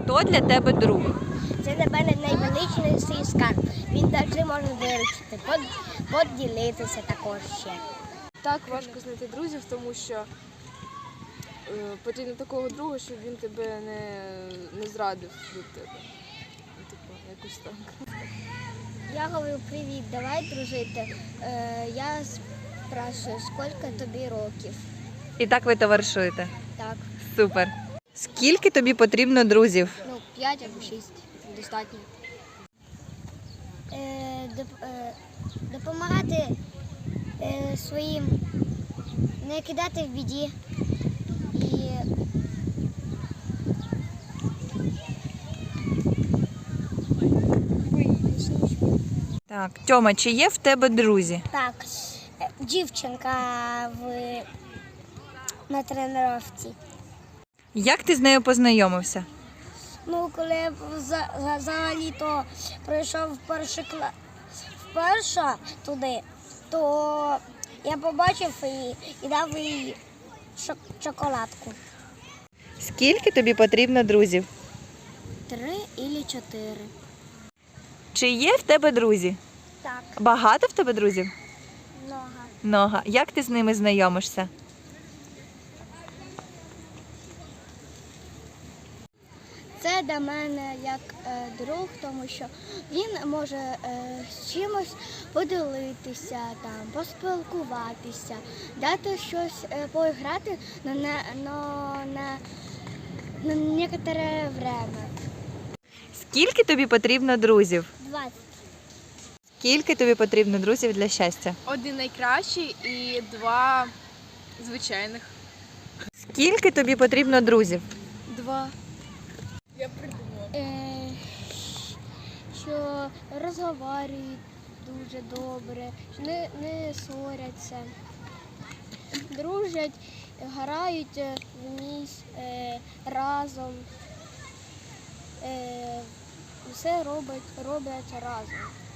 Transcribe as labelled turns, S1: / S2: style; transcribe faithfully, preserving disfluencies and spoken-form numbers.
S1: Хто для тебе друг?
S2: Це для мене найвеличніший скарб. Він завжди може виручити, поділитися також ще.
S3: Так важко знайти друзів, тому що е, потрібно такого друга, щоб він тебе не, не зрадив від тебе. Типу, якось так.
S2: Я говорю, привіт, давай дружити. Е, я спрашиваю, скільки тобі років?
S1: І так ви товаришуєте?
S2: Так,
S1: Супер. Скільки тобі потрібно друзів?
S2: ну, п'ять або шість, достатньо. Е, доп, е, допомагати е, своїм, не кидати в біді. І
S1: Так, Тьома, чи є в тебе друзі?
S2: так, е, дівчинка в, на тренувці.
S1: Як ти з нею познайомився?
S2: Ну, коли я за- за- взагалі-то прийшов в перший кла... вперше туди, то я побачив її і дав їй шок- шоколадку.
S1: Скільки тобі потрібно друзів?
S2: Три або чотири.
S1: Чи є в тебе друзі?
S2: Так,
S1: Багато в тебе друзів?
S2: много.
S1: Много. Як ти з ними знайомишся?
S2: Це для мене як е, друг, тому що він може е, з чимось поділитися, там, поспілкуватися, дати щось е, поіграти на, на, на, на, на некоторе время.
S1: Скільки тобі потрібно друзів?
S2: двадцять.
S1: Скільки тобі потрібно друзів для щастя?
S3: Один найкращий і два звичайних.
S1: Скільки тобі потрібно друзів?
S3: Два. Я придумала.
S2: Е, що розговорюють дуже добре, що не, не ссоряться, дружать, грають вмісь е, разом, е, все роблять, роблять разом.